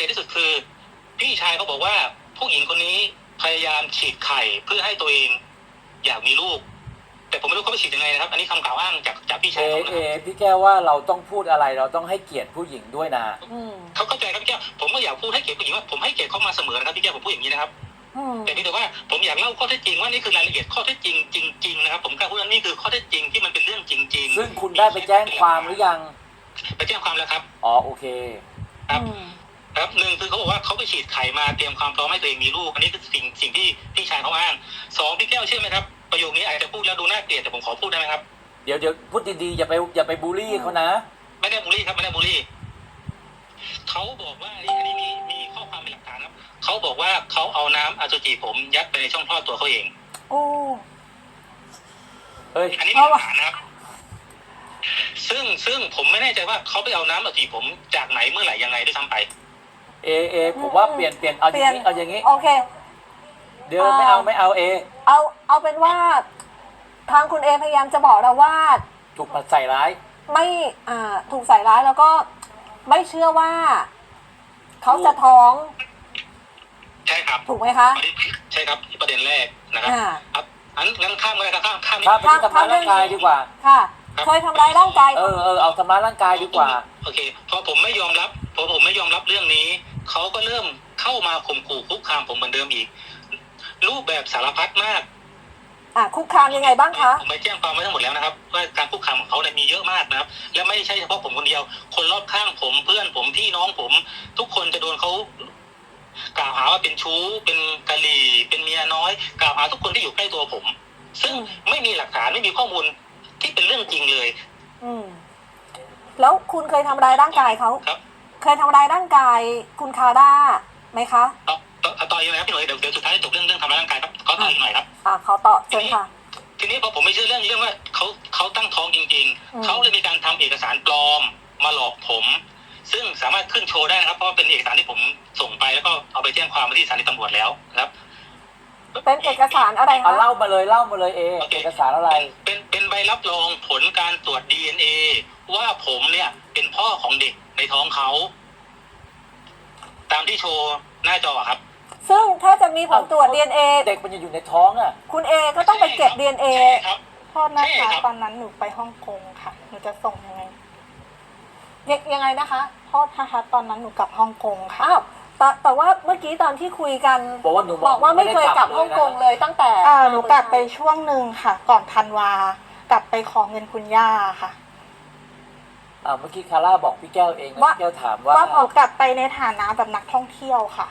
จนที่สุดคือพี่ชายเขาบอกว่าผู้หญิงคนนี้พยายามฉีดไข่เพื่อให้ตัวเองอยากมีลูกแต่ผมไม่รู้เขาไปฉีดยังไงนะครับอันนี้คำกล่าวอ้างจากพี่ชายเขานะครับพี่แก้วว่าเราต้องพูดอะไรเราต้องให้เกียรติผู้หญิงด้วยนะเขาเข้าใจครับพี่แก้วผมก็อยากพูดให้เกียรติผู้หญิงว่าผมให้เกียรติเขามาเสมอนะครับพี่แก้วผมพูดอย่างนี้นะครับแต่พี่แต่ว่าผมอยากเล่าข้อเท็จจริงว่านี่คือรายละเอียดข้อเท็จจริงจริงๆนะครับผมกล้าพูดว่านี่คือข้อเท็จจริงที่มันเป็นเรื่องจริงๆซึ่งคุณได้ไปแจ้งความหรือยังไปแจ้งความแล้วครับอ๋อโอเคครับหนึ่งคือเขาบอกว่าเขาไปฉีดไข่มาเตรียมความพร้อมให้ตัวเองมีลูกอันนี้คือสิ่งที่พี่ชายเขาอ้างสองพี่แก้วเชื่อไหมครับประโยคนี้อาจจะพูดแล้วดูน่าเกลียดแต่ผมขอพูดได้ไหมครับเดี๋ยวพูดดีๆอย่าไปบูลลี่เขานะไม่ได้บูลลี่ครับไม่ได้บูลลี่เขาบอกว่าอันนี้มีข้อความเป็นหลักฐานครับเขาบอกว่าเขาเอาน้ำอสุจิผมยัดไปในช่องคลอดตัวเขาเองโอ้เฮ้ยอันนี้มีหลักฐานนะครับซึ่งผมไม่แน่ใจว่าเขาไปเอาน้ำอสุจิผมจากไหนเมื่อไหร่ยังไงด้วยซ้ำไปผมว่าเปลี่ยนเอาอย่างนี้โอเคเดี๋ยวไม่เอาเอาเป็นว่าทางคุณพยายามจะบอกเราว่าถูกใส่ร้ายไม่ถูกใส่ร้ายแล้วก็ไม่เชื่อว่าเขาจะท้องใช่ครับถูกไหมคะใช่ครับประเด็นแรกนะครับงั้นข้ามเลยครับข้ามไปที่ทำร้ายร่างกายดีกว่าค่ะเคยทำร้ายร่างกายเอาทำร้ายร่างกายดีกว่าโอเคพอผมไม่ยอมรับเรื่องนี้เขาก็เริ่มเข้ามาข่มขู่คุกคามผมเหมือนเดิมอีกรูปแบบสารพัดมากคุกคามยังไงบ้างคะผมไปแจ้งความไว้ทั้งหมดแล้วนะครับว่าการคุกคามของเขาเนี่ยมีเยอะมากนะครับและไม่ใช่เฉพาะผมคนเดียวคนรอบข้างผมเพื่อนผมพี่น้องผมทุกคนจะโดนเขากล่าวหาว่าเป็นชู้เป็นกะหรี่เป็นเมียน้อยกล่าวหาทุกคนที่อยู่ใกล้ตัวผมซึ่งไม่มีหลักฐานไม่มีข้อมูลที่เป็นเรื่องจริงเลยแล้วคุณเคยทำร้ายร่างกายเขาครับเคยทำร้ายร่างกายคุณคาร่าไหมคะต่อยังไงครับพี่หน่อยเดี๋ยวสุดท้ายจบเรื่องทำร้ายร่างกายครับเขาต่ออีกหน่อยครับเขาต่อเชิญค่ะทีนี้พอผมไม่เชื่อเรื่องว่าเขาตั้งท้องจริงๆเขาเลยมีการทำเอกสารปลอมมาหลอกผมซึ่งสามารถขึ้นโชว์ได้นะครับเพราะเป็นเอกสารที่ผมส่งไปแล้วก็เอาไปแจ้งความที่สถานีตำรวจแล้วครับเป็นเอกสารอะไรคะเล่ามาเลยเอกสารอะไรเป็นใบรับรองผลการตรวจ DNA ว่าผมเนี่ยเป็นพ่อของเด็กในท้องเขาตามที่โชว์หน้าจอครับซึ่งถ้าจะมีผลตรวจ DNA เด็กมันยังอยู่ในท้องคุณก็ต้องไปเก็บ DNA โทษนะคะตอนนั้นหนูไปฮ่องกงค่ะหนูจะส่งยังไงยังไงนะคะโทษนะคะตอนนั้นหนูกลับฮ่องกงค่ะแต่ว่าเมื่อกี้ตอนที่คุยกันบอกว่าไม่เคยกลับฮ่องกงเลยตั้งแต่หนูกลับไปช่วงหนึ่งค่ะก่อนธันวากลับไปขอเงินคุณย่าค่ะเมื่อกี้คาร่าบอกพี่แก้วเองพี่แก้วถามว่าหนูกลับไปในฐานะแบบนักท่องเที่ยวค่ะ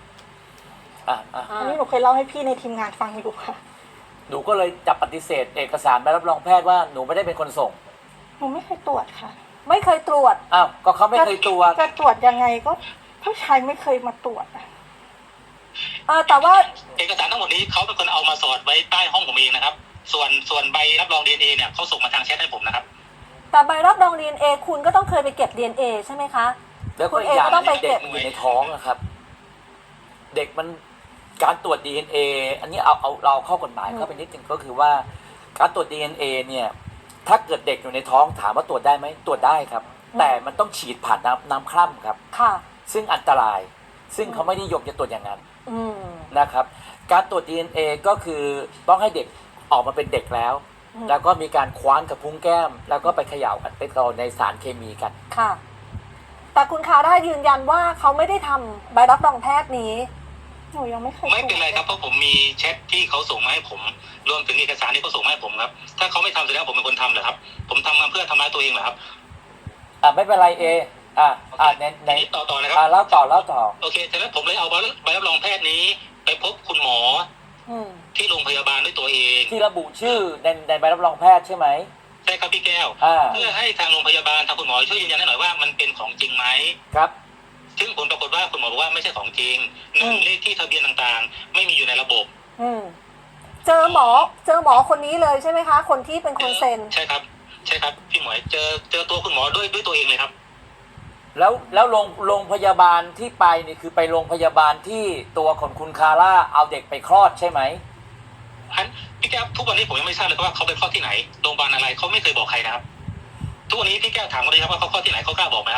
อันนี้หนูเคยเล่าให้พี่ในทีมงานฟังอยู่ค่ะหนูก็เลยจับปฏิเสธเอกสารใบรับรองแพทย์ว่าหนูไม่ได้เป็นคนส่งหนูไม่เคยตรวจค่ะไม่เคยตรวจก็เขาไม่เคยตรวจจะตรวจยังไงก็ผู้ชายไม่เคยมาตรวจแต่ว่าเอกสารทั้งหมดนี้เขาเป็นคนเอามาสอดไว้ใต้ห้องผมเองนะครับส่วนใบรับรอง DNA เนี่ยเขาส่งมาทางแชทให้ผมนะครับแต่ใบรับรอง DNA คุณก็ต้องเคยไปเก็บ DNA ใช่ไหมคะแล้วก็อย่างเด็กมันอยู่ในท้องนะครับเด็กมันการตรวจ DNA อันนี้เอาเราเข้ากฎหมายเข้าไปนิดนึงก็คือว่าการตรวจ DNA เนี่ยถ้าเกิดเด็กอยู่ในท้องถามว่าตรวจได้ไหมตรวจได้ครับแต่มันต้องฉีดผ่านน้ำคร่ำครับซึ่งอันตรายซึ่งเขาไม่นิยมจะตรวจอย่างนั้นนะครับการตรวจ DNA ก็คือต้องให้เด็กออกมาเป็นเด็กแล้วแล้วก็มีการคว้านกับพุ้งแก้มแล้วก็ไปเขย่ากันไปกรองในสารเคมีกันค่ะแต่คุณคาร่ายืนยันว่าเขาไม่ได้ทำใบรับรองแพทย์นี้หนูยังไม่เคยไม่เป็นไรครับเพราะผมมีแชทที่เขาส่งมาให้ผมรวมถึงเอกสารที่เขาส่งมาให้ผมครับถ้าเขาไม่ทำแสดงว่าผมเป็นคนทำเหรอครับผมทำมาเพื่อทำร้ายตัวเองเหรอครับไม่เป็นไรในต่อนะครับเล่าต่อโอเคฉะนั้นผมเลยเอาใบรับรองแพทย์นี้ไปพบคุณหมอที่โรงพยาบาลด้วยตัวเองที่ระบุชื่อในใบรับรองแพทย์ใช่ไหมใช่ครับพี่แก้วเพื่อให้ทางโรงพยาบาลทางคุณหมอช่วยยืนยันให้หน่อยว่ามันเป็นของจริงไหมครับซึ่งผลปรากฏว่าคุณหมอบอกว่าไม่ใช่ของจริงเลขที่ทะเบียนต่างๆไม่มีอยู่ในระบบเจอหมอคนนี้เลยใช่ไหมคะคนที่เป็นคนเซ็นใช่ครับพี่หมวยเจอตัวคุณหมอด้วยตัวเองเลยครับแล้วโรงพยาบาลที่ไปนี่คือไปโรงพยาบาลที่ตัวของคุณคาร่าเอาเด็กไปคลอดใช่ไหมพี่แก้วทุกวันนี้ผมยังไม่ทราบเลยว่าเขาไปคลอดที่ไหนโรงพยาบาลอะไรเขาไม่เคยบอกใครนะครับทุกวันนี้พี่แก้วถามเขาเลยครับว่าเขาคลอดที่ไหนเขากล้าบอกไหมครับ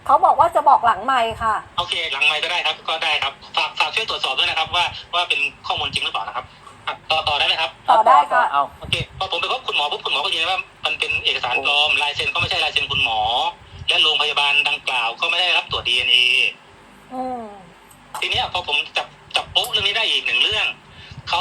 เขาบอกว่าจะบอกหลังไมค์ค่ะโอเคหลังไมค์ก็ได้ครับก็ได้ครับฝากช่วยตรวจสอบด้วยนะครับว่าเป็นข้อมูลจริงหรือเปล่านะครับต่อได้ไหมครับต่อได้ค่ะเอาโอเคพอผมไปพบคุณหมอปุ๊บคุณหมอก็ยืนยันว่ามันเป็นเอกสารปลอมลายเซ็นก็ไม่ใช่ลายเซ็นคุณหมอ และโรงพยาบาลดังกล่าวก็ไม่ได้รับตรวจ DNA อืมทีเนี้ยพอผมจับโป๊ะเรื่องนี้ได้อีกหนึ่งเรื่องเขา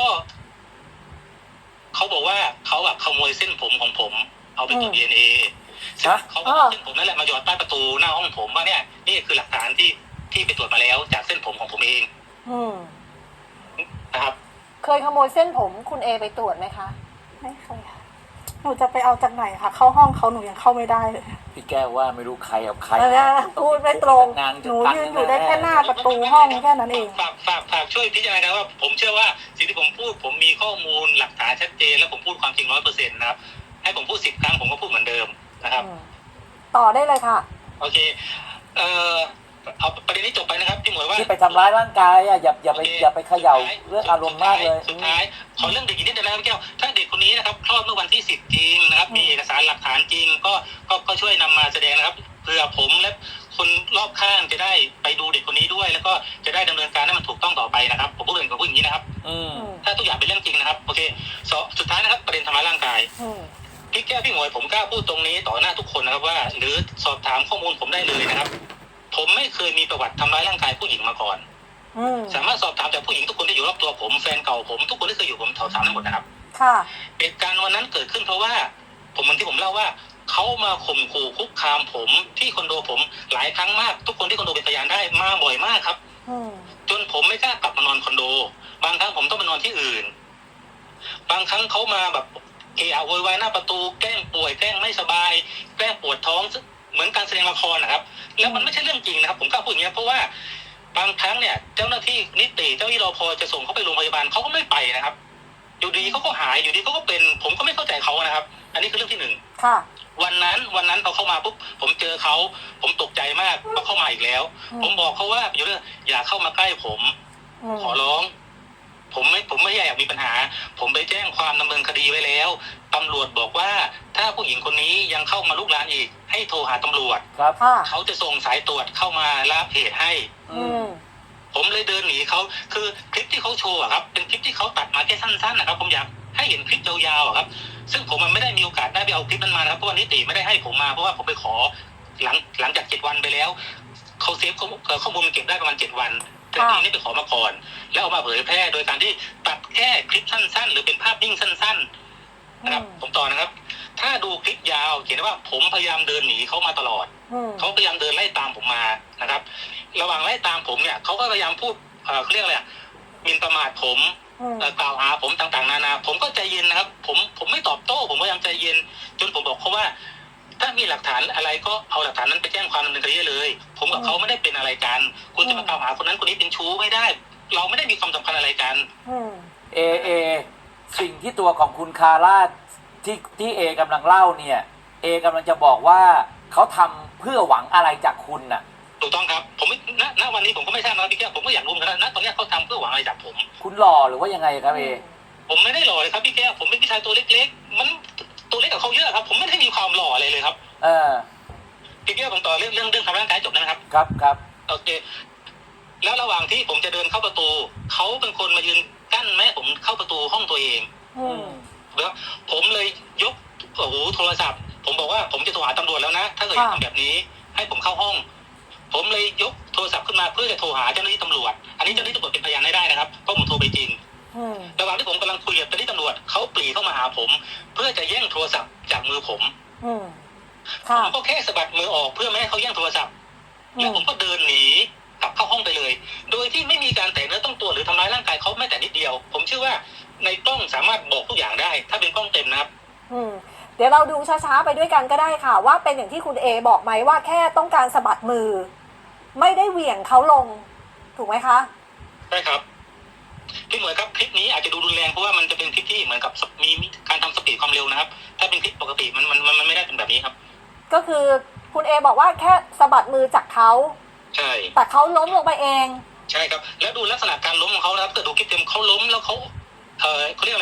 บอกว่าเขาอะขโมยเส้นผมของผมเอาไปตรวจ DNA เขาก็เอาเส้นผมนั่นแหละมาหยอดใต้ประตูหน้าห้องผมว่าเนี่ยนี่คือหลักฐานที่ไปตรวจมาแล้วจากเส้นผมของผมเองอืมนะครับเคยขโมยเส้นผมคุณเอไปตรวจไหมคะไม่เคยค่ะหนูจะไปเอาจากไหนคะเข้าห้องเขาหนูยังเข้าไม่ได้เลยพี่แก้วว่าไม่รู้ใครเอาใครพูดไม่ตรงงานหนูยืนอยู่ได้แค่หน้าประตูห้องแค่นั้นเองฝากช่วยพิจารณาว่าผมเชื่อว่าสิ่งที่ผมพูดผมมีข้อมูลหลักฐานชัดเจนและผมพูดความจริง100%นะครับให้ผมพูด10 ครั้งผมก็พูดเหมือนเดิมนะครับต่อได้เลยค่ะโอเคเอาประเด็นนี้จบไปนะครับพี่หมวยว่าที่ไปทำร้ายร่างกายอ่ะอย่าไปเขย่าเรื่องอารมณ์มากเลยสุดท้ายขอเรื่องเด็กอีกนิดนึงนะครับพี่แก้วถ้าเด็กคนนี้นะครับคลอดเมื่อวันที่10จริงนะครับมีเอกสารหลักฐานจริงก็ช่วยนำมาแสดงนะครับเพื่อผมและคนรอบข้างจะได้ไปดูเด็กคนนี้ด้วย แล้วก็จะได้ดำเนินการให้มันถูกต้องต่อไปนะครับผมพูดอย่างนี้นะครับ ถ้าทุกอย่างเป็นเรื่องจริงนะครับโอเคสุดท้ายนะครับประเด็นทำร้ายร่างกายพี่แก้วพี่หมวยผมกล้าพูดตรงนี้ต่อหน้าทุกคนนะครับว่าหรือสอบถามข้อมูลผมได้เลยนะครับผมไม่เคยมีประวัติทำร้ายร่างกายผู้หญิงมาก่อนสามารถสอบถามจากผู้หญิงทุกคนที่อยู่รอบตัวผมแฟนเก่าผมทุกคนที่เคยอยู่ผมสอบถามทั้งหมดนะครับค่ะเหตุการณ์วันนั้นเกิดขึ้นเพราะว่าผมเหมือนที่ผมเล่าว่าเขามาข่มขู่คุกคามผมที่คอนโดผมหลายครั้งมากทุกคนที่คอนโดเป็นพยานได้มาบ่อยมากครับจนผมไม่กล้ากลับมานอนคอนโดบางครั้งผมต้องไปนอนที่อื่นบางครั้งเขามาแบบเอะอะโวยวายหน้าประตูแกล้งป่วยแกล้งไม่สบายแกล้งปวดท้องเหมือนการแสดงละครนะครับแล้วมันไม่ใช่เรื่องจริงนะครับผมกล้าพูดอย่างนี้เพราะว่าบางครั้งเนี่ยเจ้าหน้าที่นิติเจ้าหน้าที่รปภจะส่งเขาไปโรงพยาบาลเขาก็ไม่ไปนะครับอยู่ดีเขาก็หายอยู่ดีเขาก็เป็นผมก็ไม่เข้าใจเขานะครับ อันนี้คือเรื่องที่หนึ่งค่ะวันนั้นพอเข้ามาปุ๊บผมเจอเขาผมตกใจมากว่าเข้ามาอีกแล้ว ผมบอกเขาว่าอยู่เรื่องอย่าเข้ามาใกล้ผมขอร้องผมไม่อยากมีปัญหาผมไปแจ้งความดำเนินคดีไว้แล้วตำรวจบอกว่าถ้าผู้หญิงคนนี้ยังเข้ามาลุกลามอีกให้โทรหาตำรวจครับเขาจะส่งสายตรวจเข้ามารับเหตุให้ผมเลยเดินหนีเขาคือคลิปที่เขาโชว์อะครับเป็นคลิปที่เขาตัดมาแค่สั้นๆนะครับผมอยากให้เห็นคลิปยาวๆอะครับซึ่งผมมันไม่ได้มีโอกาสได้ไปเอาคลิปนั้นมานะครับเพราะว่านิติไม่ได้ให้ผมมาเพราะว่าผมไปขอหลังจาก7 วันไปแล้วเขาเซฟข้อมูลมันเก็บได้ประมาณ7 วันแต่ทีนี้ไปขอมาก่อนแล้วเอามาเผยแพร่โดยการที่ตัดแค่คลิปสั้นๆหรือเป็นภาพนิ่งสั้นๆนะครับผมต่อนะครับถ้าดูคลิปยาวเขียนว่าผมพยายามเดินหนีเขามาตลอดเขาพยายามเดินไล่ตามผมมานะครับระหว่างไล่ตามผมเนี่ยเขาก็พยายามพูดเขาเรียกอะไรหมิ่นประมาทผมกล่าวหาผมต่างๆนานาผมก็ใจเย็นนะครับผมไม่ตอบโต้ผมพยายามใจเย็นจนผมบอกเขาว่าถ้ามีหลักฐานอะไรก็เอาหลักฐานนั้นไปแจ้งความดำเนินคดีเลยผมกับเขาไม่ได้เป็นอะไรกันคุณจะมากล่าวหาคนนั้นคนนี้เป็นชู้ไม่ได้ เราไม่ได้มีความสัมพันธ์อะไรกันเอสิ่งที่ตัวของคุณคาร่าที่เอกำลังเล่าเนี่ยเอกำลังจะบอกว่าเขาทำเพื่อหวังอะไรจากคุณน่ะถูกต้องครับผมไม่ณวันนี้ผมก็ไม่ทราบนะพี่แก้วผมก็อยากรู้เหมือนกันนะตอนนี้เขาทำเพื่อหวังอะไรจากผมคุณหล่อหรือว่ายังไงครับผมไม่ได้หล่อเลยครับพี่แก้วผมเป็นผู้ชายตัวเล็กๆมันตัวเล็กกับเขาเยอะครับผมไม่ได้มีความหล่ออะไรเลยครับพี่แก้วผมต่อเรื่องทำร่างกายจบนะครับครับโอเคแล้วระหว่างที่ผมจะเดินเข้าประตูเขาเป็นคนมายืนกั้นแม่ผมเข้าประตูห้องตัวเองแล้วผมเลยยกโทรศัพท์ผมบอกว่าผมจะโทรหาตำรวจแล้วนะถ้าเกิดทำแบบนี้ให้ผมเข้าห้องผมเลยยกโทรศัพท์ขึ้นมาเพื่อจะโทรหาเจ้าหน้าที่ตำรวจอันนี้เจ้าหน้าที่ตำรวจเป็นพยานได้นะครับเพราะผมโทรไปจริงระหว่างที่ผมกำลังคุยกับเจ้าหน้าที่ตำรวจเขาปรีเข้ามาหาผมเพื่อจะแย่งโทรศัพท์จากมือผมผมก็แค่สะบัดมือออกเพื่อไม่ให้เขาแย่งโทรศัพท์แล้วผมก็เดินหนีกลับเข้าห้องไปเลยโดยที่ไม่มีการแตะเนื้อต้องตัวหรือทำร้ายร่างกายเขาแม้แต่นิดเดียวผมเชื่อว่าในกล้องสามารถบอกทุกอย่างได้ถ้าเป็นกล้องเต็มนะครับเดี๋ยวเราดูช้าๆไปด้วยกันก็ได้ค่ะว่าเป็นอย่างที่คุณเอบอกไหมว่าแค่ต้องการสะบัดมือไม่ได้เหวี่ยงเขาลงถูกไหมคะใช่ครับพี่หมวยครับคลิปนี้อาจจะดูรุนแรงเพราะว่ามันจะเป็นคลิปที่เหมือนกับมีการทำสปีดความเร็วนะครับถ้าเป็นคลิปปกติมันไม่ได้เป็นแบบนี้ครับก็คือคุณเอบอกว่าแค่สะบัดมือจากเขาใช่แต่เขาล้มลงไปเองใช่ครับแล้วดูลักษณะการล้มของเขานะครับถ้าดูคลิปเต็มเขาล้มแล้วเขาเขาเรียกอะไร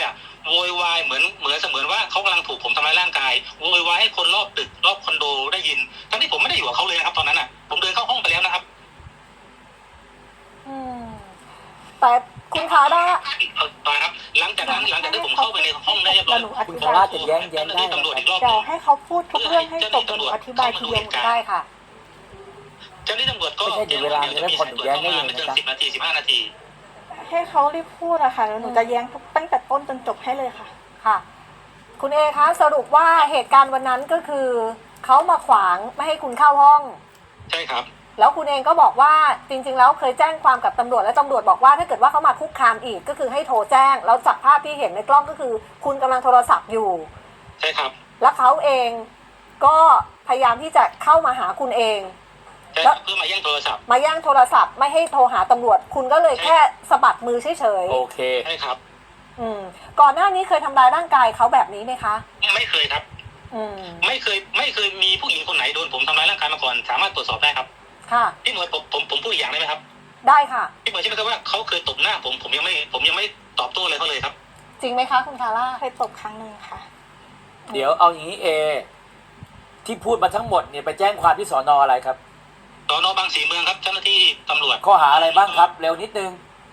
โวยวายเหมือนเสมือนว่าเขากำลังถูกผมทำร้ายร่างกายโวยวายให้คนรอบตึกรอบคอนโดได้ยินทั้งที่ผมไม่ได้อยู่กับเขาเลยนะครับตอนนั้นอ่ะผมเดินเข้าห้องไปแล้วนะครับอืมแต่คุณคะได้ครับหลังจากที่ผมเข้าไปในห้องได้เรียบร้อยคุณคาร่าจะแย้งได้เจ้าหน้าที่ตำรวจอีกรอบหเดี๋นึ่ยวงให้เขาพูดทุกเรื่องให้จบเดี๋ยวหนูอธิบายทีเดียวได้ค่ะเจ้าหน้าที่ตำรวจก็ไม่ใช่เดี๋ยวเวลาจะได้ผ่อนหนูแย้งได้เลยนะไม่เกินจ๊ะ 10 นาที 15 นาทีให้เขารีบพูดอะค่ะแล้วหนูจะแย้งทุกตั้งแต่ต้นจนจบให้เลยค่ะค่ะ คุณเอคะสรุปว่าเหตุการณ์วันนั้นก็คือเขามาขวางไม่ให้คุณเข้าห้องใช่ครับแล้วคุณเองก็บอกว่าจริงๆแล้วเคยแจ้งความกับตำรวจและตำรวจบอกว่าถ้าเกิดว่าเขามาคุกคามอีกก็คือให้โทรแจ้งแล้วจากภาพที่เห็นในกล้องก็คือ คุณกำลังโทรศัพท์อยู่ใช่ครับแล้วเขาเองก็พยายามที่จะเข้ามาหาคุณเองใช่ครับเพื่อมาแย่งโทรศัพท์มาแย่งโทรศัพท์ไม่ให้โทรหาตำรวจ คุณก็เลยแค่สะบัดมือเฉยโอเคใช่ครับๆก่อนหน้านี้เคยทำร้ายร่างกายเขาแบบนี้ไหมคะไม่เคยครับอืมไม่เคยมีผู้หญิงคนไหนโดนผมทำร้ายร่างกายมาก่อนสามารถตรวจสอบได้ครับค่ะพี่หมวยผมพูดอีกอย่างได้ไหมครับได้ค่ะพี่หมวยใช่ไหมครับว่าเขาเคยตบหน้าผมยังไม่ตอบโต้อะไรเขาเลยครับจริงไหมคะคุณคาร่าเคยตบครั้งหนึ่งค่ะเดี๋ยวเอาอย่างนี้ที่พูดมาทั้งหมดเนี่ยไปแจ้งความที่สอนออะไรครับสน.บางสีเมืองครับเจ้าหน้าที่ตำรวจข้อหาอะไรบ้างครับ เร็วนิดนึง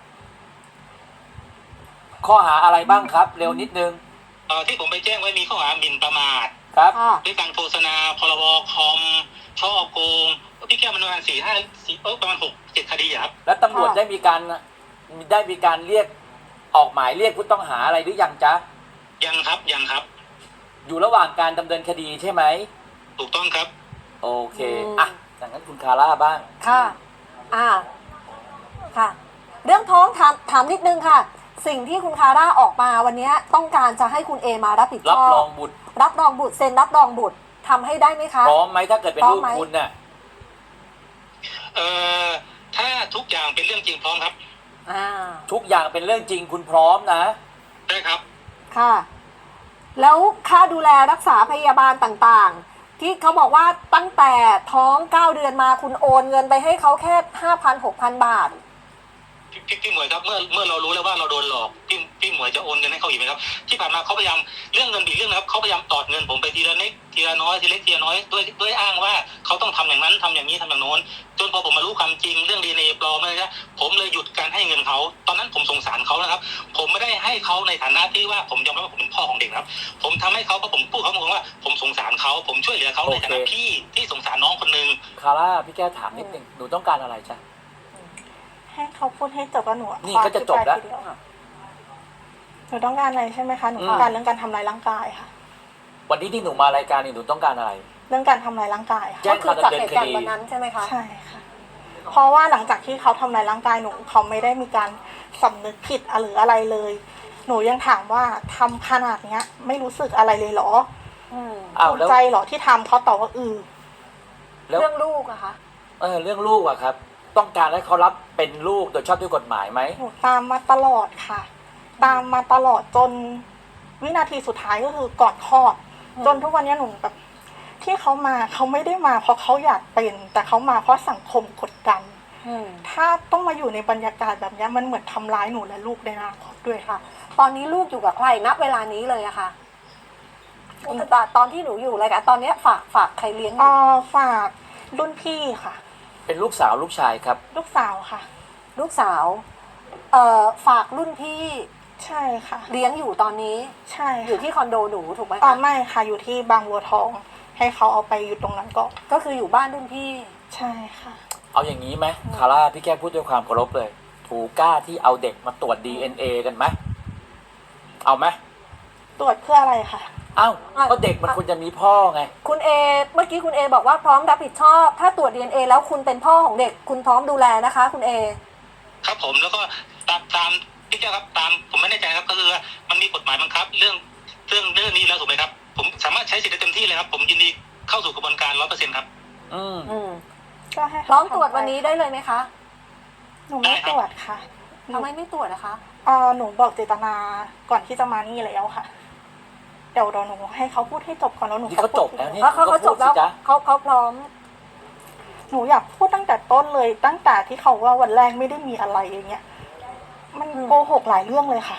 ข้อหาอะไรบ้างครับ เร็วนิดนึงที่ผมไปแจ้งไว้มีข้อหาหมิ่นประมาทครับค่ะด้วยการโฆษณาพรบคอมช่อโกงพี่แก้วมันประมาณประมาณ6-7 คดีอะครับแล้วตำรวจได้มีการเรียกออกหมายเรียกผู้ต้องหาอะไรหรือยังจ๊ะยังครับอยู่ระหว่างการดำเนินคดีใช่ไหมถูกต้องครับโอเคอ่ะดังนั้นคุณคาร่าบ้างค่ะค่ะ เรื่องท้องถามนิดนึงค่ะ สิ่งที่คุณคาร่าออกมาวันนี้ต้องการจะให้คุณเอมารับผิดชรับอบรองบุตรรับรองบุตรเซ็นรับรองบุตรทำให้ได้ไหมคะพร้อมไหมถ้าเกิดเป็นพร้อลูมกไหมคุณน่ะถ้าทุกอย่างเป็นเรื่องจริงพร้อมครับทุกอย่างเป็นเรื่องจริงคุณพร้อมนะใช่ครับค่ะ แล้วค่าดูแลรักษาพยาบาลต่างๆ ที่เขาบอกว่าตั้งแต่ท้อง9 เดือนมาคุณโอนเงินไปให้เขาแค่ 5,000-6,000 บาทพี่หมวยครับเมื่อเรารู้แล้วว่าเราโดนหลอกพี่หมวยจะโอนเงินให้เขาอีกไหมครับที่ผ่านมาเขาพยายามเรื่องเงินอีกเรื่องนะครับเขาพยายามตอดเงินผมไปทีละเล็กทีละน้อยทีเล็กทีละน้อยด้วยอ้างว่าเขาต้องทำอย่างนั้นทำอย่างนี้ทำอย่างโน้นจนพอผมมารู้ความจริงเรื่องดีเอ็นเอปลอมอะไรนะผมเลยหยุดการให้เงินเขาตอนนั้นผมสงสารเขานะครับผมไม่ได้ให้เขาในฐานะที่ว่าผมยอมรับว่าผมเป็นพ่อของเด็กนะครับผมทำให้เขาเพราะผมพูดเขาบอกว่าผมสงสารเขาผมช่วยเหลือเขาในฐานะพี่ที่สงสารน้องคนนึงคาร่าพี่แก้วถามนิดนึงหนูต้องการอะไรจ๊ะให้เขาพูดให้จบแล้วหนูนี่ก็จะจบแล้วขออธิายทีเดียหนูต้องการอะไรใช่ไหมคะหนูอืมต้องการเรื่องการทำร้ายร่างกายค่ะวันนี้ที่หนูมารายการนี่หนูต้องการอะไรเรื่องการทำร้ายร่างกายค่ะแจ้ก็งคือจากเหตุการณ์วันนั้นใช่ไหมคะใช่ค่ะ เพราะว่าหลังจากที่เขาทำร้ายร่างกายหนูเขาไม่ได้มีการสำนึกผิดหรืออะไรเลย หนูยังถามว่าทำขนาดเนี้ย ไม่รู้สึกอะไรเลยเหรออ้าวภูมิแล้วใจเหรอที่ทำเขาตอบว่าแล้วเรื่องลูกอะคะเรื่องลูกอะครับ ต้องการให้เขารับเป็นลูกโดยชอบด้วยกฎหมายไหมหนูตามมาตลอดค่ะ ตามมาตลอดจนวินาทีสุดท้ายก็คือก่อนคลอด จนทุกวันนี้หนูแบบที่เขามาเขาไม่ได้มาเพราะเขาอยากเป็น แต่เขามาเพราะสังคมกดดัน ถ้าต้องมาอยู่ในบรรยากาศแบบนี้มันเหมือนทำร้ายหนูและลูกในอนาคตด้วยค่ะตอนนี้ลูกอยู่กับใครณเวลานี้เลยอะค่ะตอนที่หนูอยู่อะไรกันตอนเนี้ยฝากใครเลี้ยงอยู่ฝากรุ่นพี่ค่ะเป็นลูกสาวลูกชายครับลูกสาวค่ะลูกสาวฝากรุ่นพี่ใช่ค่ะเลี้ยงอยู่ตอนนี้ใช่อยู่ค่ะที่คอนโดหนูถูกไหมไม่ค่ะอยู่ที่บางบัวทอง ให้เขาเอาไปอยู่ตรงนั้นก็ก็คืออยู่บ้านรุ่นพี่ใช่ค่ะเอาอย่างนี้ไหมคาร่าพี่แก้วพูดด้วยความเคารพเลย ถูกกล้าที่เอาเด็กมาตรวจ DNA กันไหมเอาไหมตรวจเพื่ออะไรคะเอ้าก็เด็กมันควรจะมีพ่อไงคุณเอเมื่อกี้คุณเอบอกว่าพร้อมรับผิดชอบ ถ้าตรวจ DNA แล้วคุณเป็นพ่อของเด็ก คุณพร้อมดูแลนะคะ คุณเอครับผมแล้วก็ตามพี่แก้วครับตามผมไม่แน่ใจครับก็คือว่ามันมีกฎหมายบังคับเรื่องนี้แล้วถูกไหมครับผมสามารถใช้สิทธิ์ได้เต็มที่เลยครับผมยินดีเข้าสู่กระบวนการ 100% ครับก็ให้เขาพร้อมตรวจวันนี้ได้เลยไหมคะหนูไม่ตรวจค่ะทำไมไม่ตรวจนะคะหนูบอกเจตนาก่อนที่จะมานี่แล้วค่ะ เดี๋ยวหนูให้เขาพูดให้จบก่อนแล้วหนูนี่เขาจบแล้วนี่เขาจบแล้วพูดสิจ๊ะเขาพร้อมหนูอยากพูดตั้งแต่ต้นเลย ตั้งแต่ที่เขาว่าวันแรกไม่ได้มีอะไรอย่างเงี้ย มันโกหกหลายเรื่องเลยค่ะ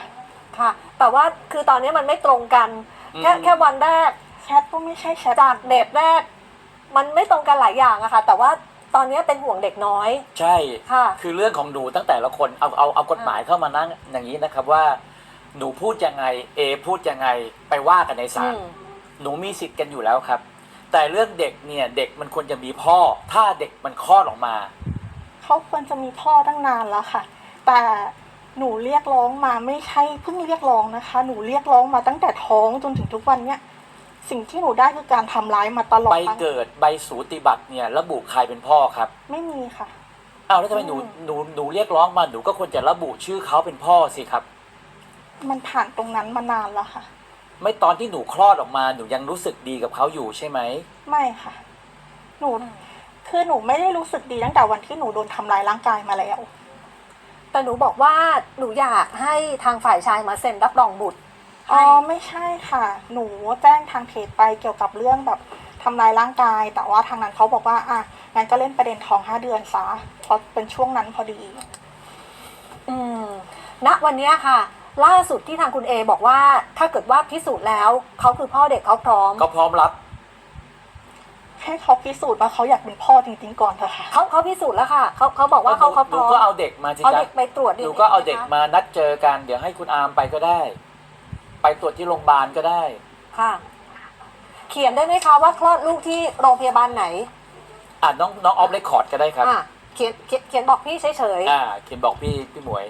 ค่ะ แต่ว่าคือตอนนี้มันไม่ตรงกัน แค่วันแรกแชทก็ไม่ใช่แชทจากเดทแรก มันไม่ตรงกันหลายอย่างอะค่ะ แต่ว่าตอนนี้เป็นห่วงเด็กน้อยใช่ค่ะคือเรื่องของหนูตั้งแต่ละคนเอากฎหมายเข้ามานั่งอย่างนี้นะครับว่า หนูพูดยังไงเอพูดยังไงไปว่ากันในศาล หนูมีสิทธิ์กันอยู่แล้วครับ แต่เรื่องเด็กเนี่ยเด็กมันควรจะมีพ่อ ถ้าเด็กมันคลอดออกมาเขาควรจะมีพ่อตั้งนานแล้วค่ะ แต่หนูเรียกร้องมาไม่ใช่เพิ่งเรียกร้องนะคะ หนูเรียกร้องมาตั้งแต่ท้องจนถึงทุกวันเนี้ยสิ่งที่หนูได้คือการทำร้ายมาตลอดใบเกิดใบสูติบัตรเนี่ยระบุใครเป็นพ่อครับไม่มีค่ะอ้าวแล้วทำไมหนูเรียกร้องมาหนูก็ควรจะระบุชื่อเขาเป็นพ่อสิครับมันผ่านตรงนั้นมานานแล้วค่ะไม่ตอนที่หนูคลอดออกมาหนูยังรู้สึกดีกับเขาอยู่ใช่ไหมไม่ค่ะ หนูคือหนูไม่ได้รู้สึกดีตั้งแต่วันที่หนูโดนทำร้ายร่างกายมาแล้วแต่หนูบอกว่าหนูอยากให้ทางฝ่ายชายมาเซ็นรับรองบุตรอ๋ให้อไม่ใช่ค่ะ หนูแจ้งทางเพจไปเกี่ยวกับเรื่องแบบทำร้ายร่างกาย แต่ว่าทางนั้นเขาบอกว่าอ่ะงั้นก็เล่นประเด็นท้อง5 เดือนซะเพราะเป็นช่วงนั้นพอดีอืมณวันเนี้ยค่ะ ล่าสุดที่ทางคุณเอบอกว่าถ้าเกิดว่าพิสูจน์แล้วเขาคือพ่อเด็กเขาพร้อมก็พร้อมรับให้เขาพิสูจน์ว่าเขาอยากเป็นพ่อจริงๆก่อนเถอะค่ะเขาพิสูจน์แล้วค่ะเขาบอกว่าเขาพหนูร้อมก็เอาเด็กมาสิเอาจ๊ะเด็กไปตรวจหนูก็เอาเด็กนะคะมานัดเจอกันเดี๋ยวให้คุณอาร์มไปก็ได้ ไปตรวจที่โรงพยาบาลก็ได้ค่ะ เขียนได้ไหมคะว่าคลอดลูกที่โรงพยาบาลไหนน้องออฟเรคคอร์ดก็ได้ครับเขียนบอกพี่เฉยเขียนบอกพี่หมวย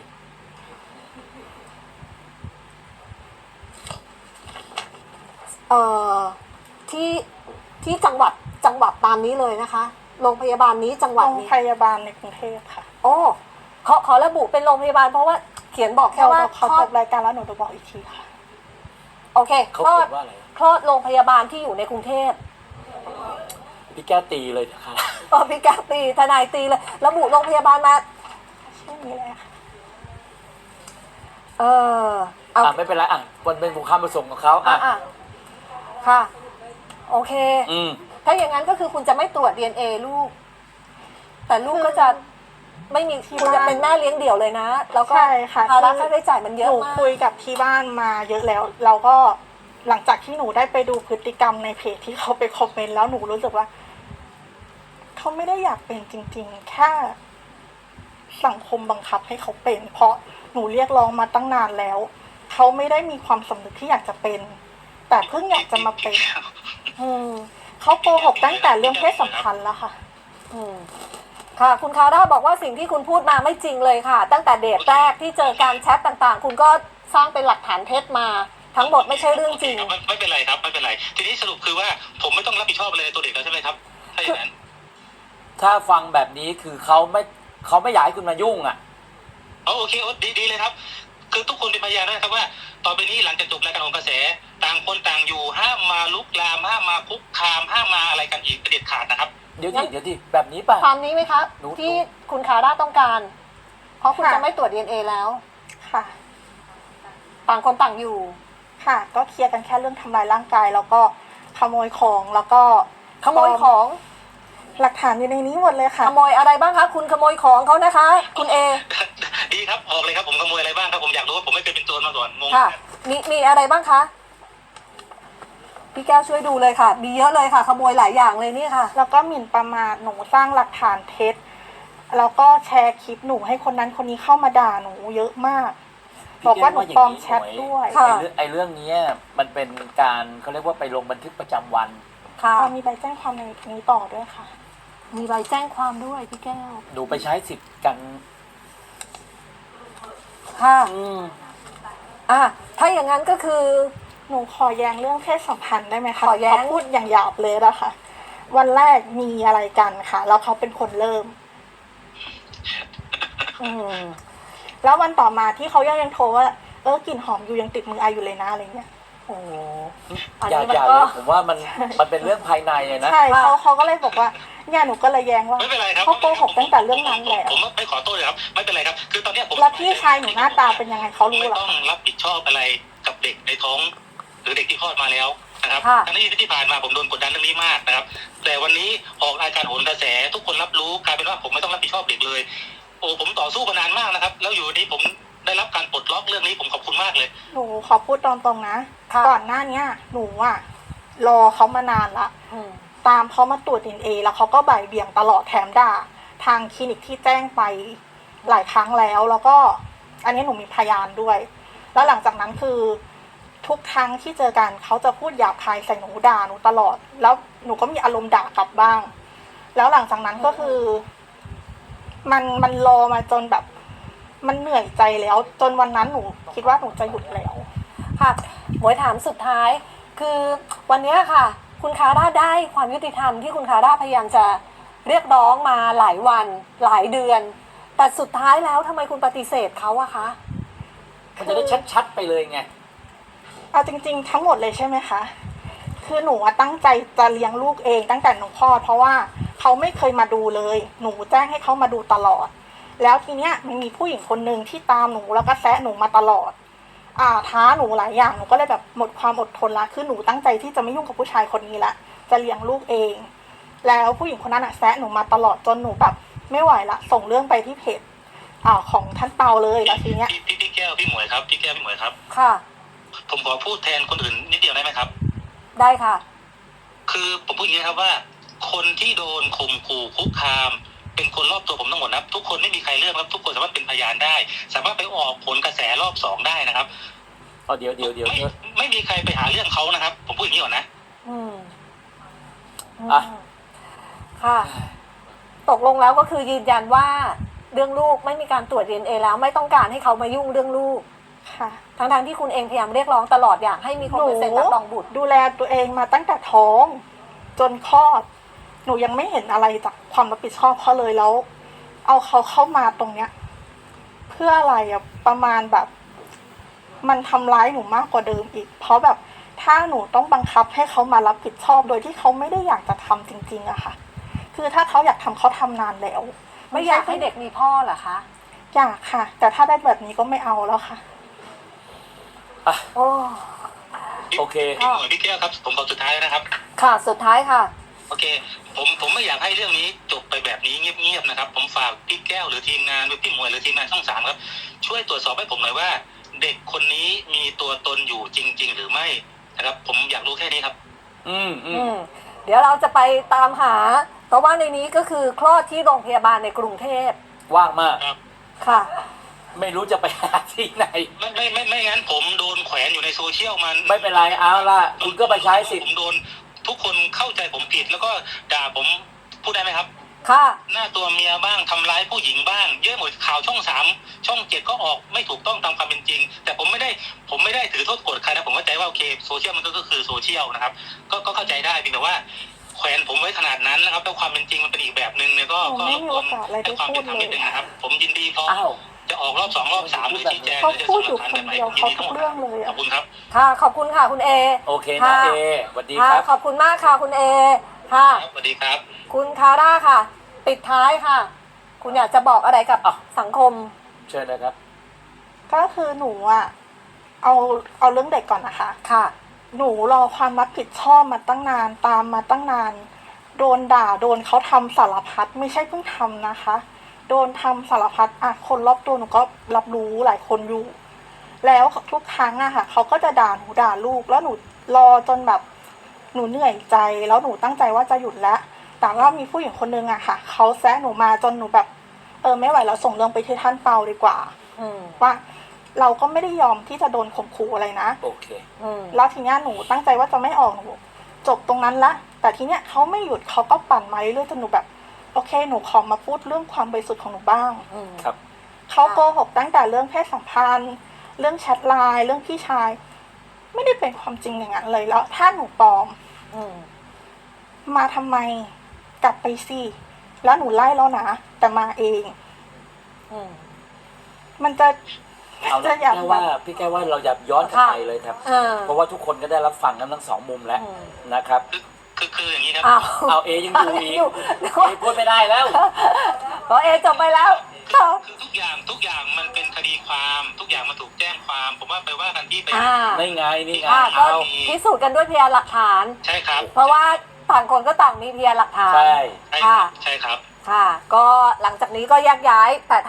ๆที่จังหวัดตามนี้เลยนะคะ โรงพยาบาลนี้จังหวัดโรงนี้พยาบาลในกรุงเทพค่ะโอ้ขอระบุเป็นโรงพยาบาลเพราะว่าเขียนบอกแค่เดี๋ยวว่าเขาคลอจดบรายการแล้วหนูจะบอกอีกทีค่ะโอเคเขาคลอเขีดยนว่าอะไรคลอดโรงพยาบาลที่อยู่ในกรุงเทพพี่แก้วตีเลยนะครับพี่แก้วตีทนายตีเลยระบุโรงพยาบาลมาชื่อนี้เลยค่ะเออเอาไม่เป็นไรมันเป็นความประสงค์ของเขาอ่ะค่ะ โอเคอืมถ้าอย่างนั้นก็คือคุณจะไม่ตรวจ DNA ลูก แต่ลูกก็จะไม่มีที่คุณจะบ้านเป็นแม่เลี้ยงเดี่ยวเลยนะ แล้วก็ใช่ค่ะภาระค่าใช้จ่ายมันเยหอะนูมากคุยกับที่บ้านมาเยอะแล้ว เราก็หลังจากที่หนูได้ไปดูพฤติกรรมในเพจที่เขาไปคอมเมนต์แล้วหนูรู้สึกว่า เขาไม่ได้อยากเป็นจริงๆ แค่สังคมบังคับให้เขาเป็น เพราะหนูเรียกร้องมาตั้งนานแล้ว เขาไม่ได้มีความสำนึกที่อยากจะเป็น แต่เพิ่งอยากจะมาเป็นอืมเขาโกหกตั้งแต่เรื่องเพศสัมพันธ์แล้วค่ะอืมค่ะ คุณคาร่าบอกว่าสิ่งที่คุณพูดมาไม่จริงเลยค่ะ ตั้งแต่เดทแรกที่เจอการแชทต่างๆ คุณก็สร้างเป็นหลักฐานเท็จมา ทั้งหมดไม่ใช่เรื่องจริงไม่เป็นไรครับไม่เป็นไร ทีนี้สรุปคือว่าผมไม่ต้องรับผิดชอบอะไรในตัวเด็กแล้วใช่ไหมครับถ้าอย่างนั้นถ้าฟังแบบนี้คือเขาไม่อยากให้คุณมายุ่งอ่ะโอเคดีเลยครับ คือทุกคนเป็นพยานนะครับว่าต่อไปนี้หลังจากจบรายการของกระแส ต่างคนต่างอยู่ห้ามมาลุกลามห้ามมาคุกคามห้ามมาอะไรกันอีกเด็ดขาดนะครับเดี๋ยวดิแบบนี้ป่ะความนี้ไหมคะหนูที่คุณคาร่าต้องการ เพราะคุณค่ะจะไม่ตรวจ DNA แล้วค่ะต่างคนต่างอยู่ค่ะ ก็เคลียร์กันแค่เรื่องทำลายร่างกาย แล้วก็ขโมยของแล้วก็ขโมยของหลักฐานอยู่ในนี้หมดเลยค่ะขโมยอะไรบ้างคะ คุณขโมยของเขานะคะ คุณเอดีครับออกเลยครับผมขโมยอะไรบ้างครับผมอยากรู้ว่าผมไม่เคยเป็นโจรมาก่อนงงค่ะ มีอะไรบ้างคะ พี่แก้วช่วยดูเลยค่ะ มีเยอะเลยค่ะ ขโมยหลายอย่างเลยนี่ค่ะแล้วก็หมิ่นประมาทหนูสร้างหลักฐานเท็จแล้วก็แชร์คลิปหนูให้คนนั้นคนนี้เข้ามาด่าหนูเยอะมาก บอกว่าหนูปลอมแชทด้วยค่ะไอ้เรื่องนี้มันเป็นการเขาเรียกว่าไปลงบันทึกประจำวันค่ะมีใบแจ้งความในนี้ต่อด้วยค่ะมีใบแจ้งความด้วยพี่แก้วหนูไปใช้สิทธิ์กันค่ะอืมถ้าอย่างนั้นก็คือหนูขอแย้งเรื่องเพศสัมพันธ์ได้ไหมคะขอแย้งเขาพูดอย่างหยาบเลยนะคะ วันแรกมีอะไรกันค่ะ แล้วเขาเป็นคนเริ่มอืมแล้ววันต่อมาที่เขายังโทรว่ากลิ่นหอมอยู่ยังติดมือไออยู่เลยนะอะไรเงี้ยโอ้อันอย่านี้มันอย่าก็เลยผมว่ามันเป็นเรื่องภายในอะนะใช่ค่ะเขาก็เลยบอกว่าเนี่ยหนูก็เลยแย้งว่าไม่เป็นไรครับเขาโกหกตั้งแต่เรื่องนั้นแล้วผมไม่ขอโทษเลยครับไม่เป็นไรครับ คือตอนเนี้ยผมแล้วพี่ชายหนูหน้าตาเป็นยังไงเขารู้ไม่เหรอต้องรับผิดชอบอะไรกับเด็กในท้อง หรือเด็กที่คลอดมาแล้วนะครับค่ะทั้งที่ผ่านมาผมโดนกดดันเรื่องนี้มากนะครับ แต่วันนี้ออกรายการโหนกระแส ทุกคนรับรู้กลายเป็นว่าผมไม่ต้องรับผิดชอบเด็กเลย โอ้ผมต่อสู้มานานมากนะครับ แล้วอยู่นี้ผมได้ได้รับการปลดล็อกเรื่องนี้ผมขอบคุณมากเลยหนูขอพูดตรงๆนะค่ะก่อนหน้าเนี้ยหนูอะรอเขามานานละอืมตามเขามาตรวจ DNA แล้วเขาก็บ่ายเบี่ยงตลอดแถมด่าทางคลินิกที่แจ้งไปหลายครั้งแล้วก็อันนี้หนูมีพยานด้วย แล้วหลังจากนั้นคือทุกครั้งที่เจอกันเขาจะพูดหยาบคายใส่หนูด่าหนูตลอด แล้วหนูก็มีอารมณ์ด่ากลับบ้าง แล้วหลังจากนั้นก็คือมันรอมาจนแบบมันเหนื่อยใจแล้ว จนวันนั้นหนูคิดว่าหนูจะหยุดแล้วค่ะหมวยถามสุดท้าย คือวันเนี้ยค่ะ คุณคาร่าได้ความยุติธรรมที่คุณคาร่าพยายามจะเรียกร้องมาหลายวันหลายเดือน แต่สุดท้ายแล้วทำไมคุณปฏิเสธเขาอะคะมันจะได้ชัดๆไปเลยไงเอาจริงๆทั้งหมดเลยใช่ไหมคะ คือหนูอะตั้งใจจะเลี้ยงลูกเองตั้งแต่หนูคลอดเพราะว่าเขาไม่เคยมาดูเลย หนูแจ้งให้เขามาดูตลอด แล้วทีเนี้ยมันมีผู้หญิงคนหนึ่งที่ตามหนูแล้วก็แซะหนูมาตลอด ท้าหนูหลายอย่างหนูก็เลยแบบหมดความอดทนละคือหนูตั้งใจที่จะไม่ยุ่งกับผู้ชายคนนี้ละจะเลี้ยงลูกเอง แล้วผู้หญิงคนนั้นอะแซะหนูมาตลอดจนหนูแบบไม่ไหวละส่งเรื่องไปที่เพจของท่านเปาเลยแล้วทีเนี้ยพี่แก้วพี่หมวยครับพี่แก้วพี่หมวยครับค่ะผมขอพูดแทนคนอื่นนิดเดียวได้ไหมครับได้ค่ะคือผมพูดอย่างนี้นะครับว่า คนที่โดนข่มขู่คุกคาม เป็นคนรอบตัวผมทั้งหมดนะครับทุกคนไม่มีใครเลือกครับทุกคนสามารถเป็นพยานได้ สามารถไปออกผลกระแสรอบสองได้นะครับเดี๋ยวไม่มีใครไปหาเรื่องเขานะครับ ผมพูดอย่างนี้ก่อนนะอืมอ่ะค่ะ ตกลงแล้วก็คือยืนยันว่าเรื่องลูกไม่มีการตรวจ DNA แล้วไม่ต้องการให้เขามายุ่งเรื่องลูกค่ะทั้งที่คุณเองพยายามเรียกร้องตลอดอยากให้มีคนไปเซ็นรับรองบุตรดูแลตัวเองมาตั้งแต่ท้องจนคลอด หนูยังไม่เห็นอะไรจากความรับผิดชอบเขาเลยแล้ว เอาเขาเข้ามาตรงเนี้ย เพื่ออะไรอะประมาณแบบ มันทำร้ายหนูมากกว่าเดิมอีก เพราะแบบถ้าหนูต้องบังคับให้เขามารับผิดชอบโดยที่เขาไม่ได้อยากจะทำจริงๆอะค่ะ คือถ้าเขาอยากทำเขาทำนานแล้วไม่อยากให้เด็กมีพ่อเหรอคะอยากค่ะ แต่ถ้าได้แบบนี้ก็ไม่เอาแล้วค่ะโอ้โอเคพี่หมวยพี่แก้วครับผมขอสุดท้ายแล้วนะครับค่ะสุดท้ายค่ะโอเค ผมไม่อยากให้เรื่องนี้จบไปแบบนี้เงียบๆนะครับ ผมฝากพี่แก้วหรือทีมงานหรือพี่หมวยหรือทีมงานช่อง 3ครับช่วยตรวจสอบให้ผมหน่อยว่า เด็กคนนี้มีตัวตนอยู่จริง ๆ หรือไม่นะครับ ผมอยากรู้แค่นี้ครับอืมเดี๋ยวเราจะไปตามหา เพราะว่าในนี้ก็คือคลอดที่โรงพยาบาลในกรุงเทพว่างมากค่ะไม่รู้จะไปหาที่ไหนไม่งั้นผมโดนแขวนอยู่ในโซเชียลมันไม่เป็นไรเอาล่ะ คุณก็ไปใช้สิทธิ์ผมโดนทุกคนเข้าใจผมผิดแล้วก็ด่าผมพูดได้ไหมครับค่ะหน้าตัวเมียบ้างทำร้ายผู้หญิงบ้าง เยอะหมดข่าวช่อง 3 ช่อง 7ก็ออกไม่ถูกต้องตามความเป็นจริง แต่ผมไม่ได้ถือโทษโกรธใครนะผมเข้าใจว่าโอเคโซเชียลมันก็คือโซเชียลนะครับก็เข้าใจได้เพียงแต่ว่าแขวนผมไว้ขนาดนั้นนะครับแล้วความเป็นจริงมันเป็นอีกแบบหนึ่งเนี่ยก็ผมไม่มีโอกาสอะไรได้ให้ความเป็นธรรมนิดนึงนะครับ ผมยินดีพร้อมอ้าวจะออกรอบ 2 รอบ 3หรือชี้แจงเขาหรือจะพูส่ดงอหลัยู่กฐานคแบนบไหนเดียวผมยินเขาดีทุทั้งกหมดเรื่องเลยขอบคุณครับค่ะ ขอบคุณค่ะคุณเอโอเคนะค่ะเอสวัสดีค่ะครับขอบคุณมากค่ะคุณเอ ค่ะครับสวัสดีครับคุณคาร่าค่ะ ปิดท้ายค่ะ คุณอยากจะบอกอะไรกับอ่ะสังคมเชิญนะครับก็คือหนูอะเอาเรื่องเด็กก่อนนะคะค่ะหนูรอความรับผิดชอบมาตั้งนานตามมาตั้งนาน โดนด่าโดนเขาทำสารพัดไม่ใช่เพิ่งทำนะคะ โดนทำสารพัดคนรอบตัวหนูก็รับรู้หลายคนอยู่ แล้วทุกครั้งอะค่ะเขาก็จะด่าหนูด่าลูกแล้วหนูรอจนแบบหนูเหนื่อยใจแล้วหนูตั้งใจว่าจะหยุดแล้วแต่ว่ามีผู้หญิงคนนึงอะค่ะเขาแซะหนูมาจนหนูแบบไม่ไหวแล้วส่งเรื่องไปที่ท่านเปาดีกว่าอืมว่าเราก็ไม่ได้ยอมที่จะโดนข่มขู่อะไรนะโอเคอืมแล้วทีเนี้ยหนูตั้งใจว่าจะไม่ออกหนูจบตรงนั้นละแต่ทีเนี้ยเขาไม่หยุดเขาก็ปั่นมาเรื่อยๆจนหนูแบบโอเคหนูขอมาพูดเรื่องความบริสุทธิ์ของหนูบ้างอืมครับเขาโกหกตั้งแต่เรื่องเพศสัมพันธ์ เรื่องแชทไลน์เรื่องพี่ชาย ไม่ได้เป็นความจริงอย่างนั้นเลยแล้วถ้าหนูปลอมอืมมาทำไมกลับไปสิแล้วหนูไล่แล้วนะแต่มาเองอืมมันจะเอาละอยากแค่ว่าพี่แก้ว่าเราอย่าย้อนกลับค่ะไปเลยครับเออเพราะว่าทุกคนก็ได้รับฟังกันทั้งสองมุมแล้วอืมนะครับคืออย่างนี้ครับอ้าวเอาเอยังอยู่อีกอยู่เอพูดไม่ได้แล้วก็เอจบไปแล้วคือทุกอย่างมันเป็นคดีความทุกอย่างมันถูกแจ้งความ ผมว่าไปว่ากันที่ไปนี่ไงนี่ไงก็เอาพิสูจน์กันด้วยพยานหลักฐานใช่ครับเพราะว่าต่างคนก็ต่างมีพยานหลักฐานใช่ใช่ครับค่ะ ก็หลังจากนี้ก็แยกย้ายแต่